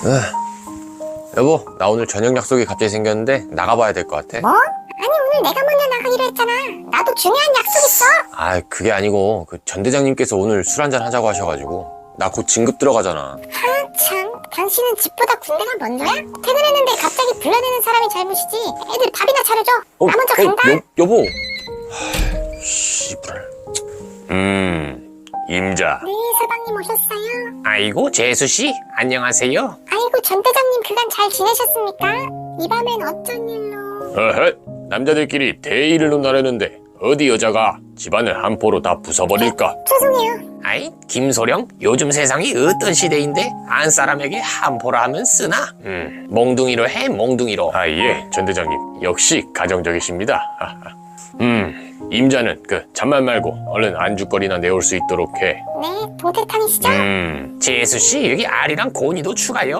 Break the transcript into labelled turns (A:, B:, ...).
A: 여보, 나 오늘 저녁 약속이 갑자기 생겼는데 나가봐야 될 것 같아.
B: 뭐? 아니 오늘 내가 먼저 나가기로 했잖아. 나도 중요한 약속 있어.
A: 아, 그게 아니고 그 전 대장님께서 오늘 술 한잔 하자고 하셔가지고 나 곧 진급 들어가잖아.
B: 참, 당신은 집보다 군대가 먼저야? 퇴근했는데 갑자기 불러내는 사람이 잘못이지. 애들 밥이나 차려줘. 나 먼저 간다.
A: 여보. 씨발. 임자.
B: 네, 서방님 오셨어요.
A: 아이고, 재수씨, 안녕하세요.
B: 아이고, 전 대장님 그간 잘 지내셨습니까? 이 밤엔 어쩐 일로?
A: 어헛, 남자들끼리 대의를 논하려는데 어디 여자가 집안을 한 포로 다 부숴버릴까?
B: 죄송해요.
A: 아이, 김소령, 요즘 세상이 어떤 시대인데 안 사람에게 한 포라 하면 쓰나? 몽둥이로 해, 몽둥이로. 아, 예, 전 대장님, 역시 가정적이십니다. 임자는 잔말 말고 얼른 안주거리나 내올 수 있도록 해.
B: 네, 동태탕이시죠?
A: 재수씨, 여기 알이랑 고니도 추가요.